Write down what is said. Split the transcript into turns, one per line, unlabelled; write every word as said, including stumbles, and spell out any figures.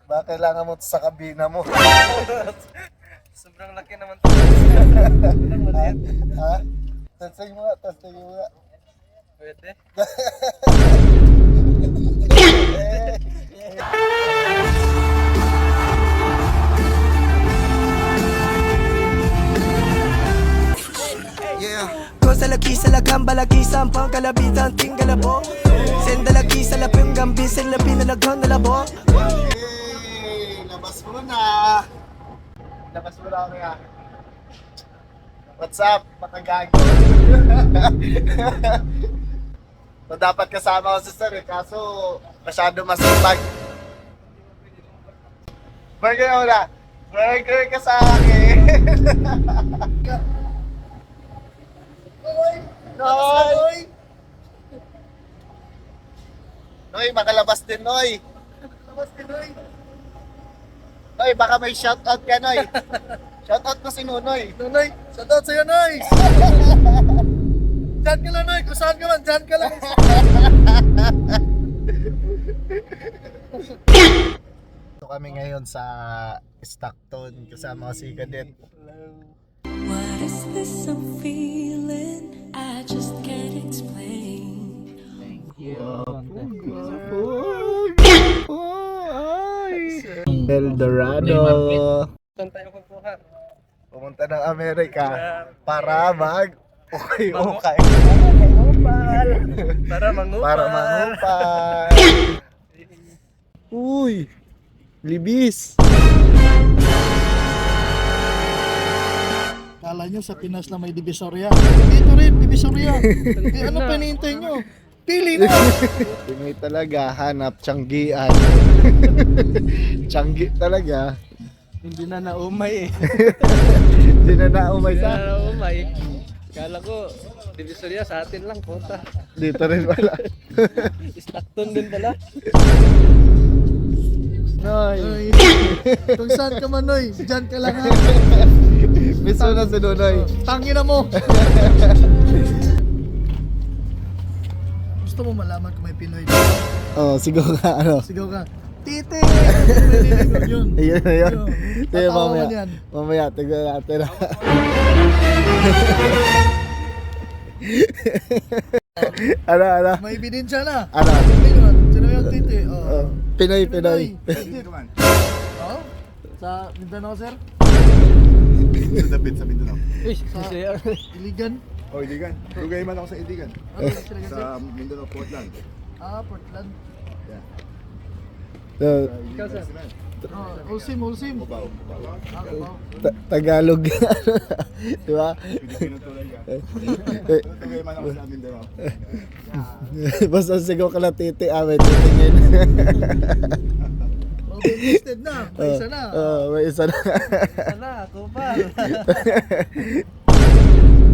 Baka kailangan mo sa kabina mo.
Sobrang laki naman to. Sobrang maliit.
Ha? Testing mo nga, testing mo nga.
Pwede.
Cosa la chisa, la gamba, la chisa, un pan, calabitan, tinga la bo. Senda la chisa, la pingam, bisin, la pina, la ganda la bo.
Hey, labas mo na. Labas mo na kaya. What's up, makagago? So, dapat kasama ko si sir eh, kaso masyado masipag. Burger mo na. Burger ka sa akin. Noy! Noy, makalabas din, Noy. Makalabas din, Noy. Noy, baka may shoutout ka, Noy. Shoutout mo si Nunoy. Nunoy, shoutout sa'yo, Noy. Diyan ka lang, Noy. Kung saan ka man, diyan ka lang. So kami ngayon sa Stockton kasama ko si Cadet.
What is this I'm feeling? I just can't explain.
Eldorado.
Saan tayo kukuha?
Pumunta ng Amerika para mag okay, okay.
Mangupal. Para mangupal.
Para mangupal. Uy, libis.
Kala nyo sa Pinas na may Divisoria. Dito rin, Divisoria. Eh, ano pa hinihintay nyo? Pili na!
Tingay talaga, hanap, tiyanggian. Tiyanggi talaga.
Hindi na naumay eh.
Hindi na naumay
Hindi
sa.
na naumay. Kala ko, Divisoria sa atin lang, puta.
Dito rin pala.
Stockton din pala.
Noy.
Ay, kung saan ka man, Noy, dyan ka lang ha.
Miss mo na si Nunoy.
Tangin na mo! Gusto mo malaman kung may Pinoy dito?
Oh, sigaw ka, ano?
Sigaw ka, Tite! Narinig yun.
Ayun, ayun. Sige,
Tatawa
mamaya.
man yan.
Mamaya, tignan natin. Ano, ano?
May ebidensya na.
Ano?
Tingnan, sino yung Tite?
Oh,
Oh.
Pinoy, Pinoy.
Oh? Sa Mindanao, sir?
Sa dapit sa Mindanao.
Uy,
Sa
si
Iligan?
Oh, Iligan. Lugay man ako sa Iligan.
Ano sila kasi?
Sa Mindanao, Portland.
Ah, Portland.
So,
Ikaw, sir.
Oh, Ulsim, Ulsim.
Baw.
Ah, Cubao.
ta- Tagalog. Di ba?
Pilipino talaga.
Eh,
Lugay man ako sa Mindanao.
Basta sigaw ka na titi, ah, may titingin.
Oh, listed na. May isa na.
Oh, may isa na.
Wala, kupal.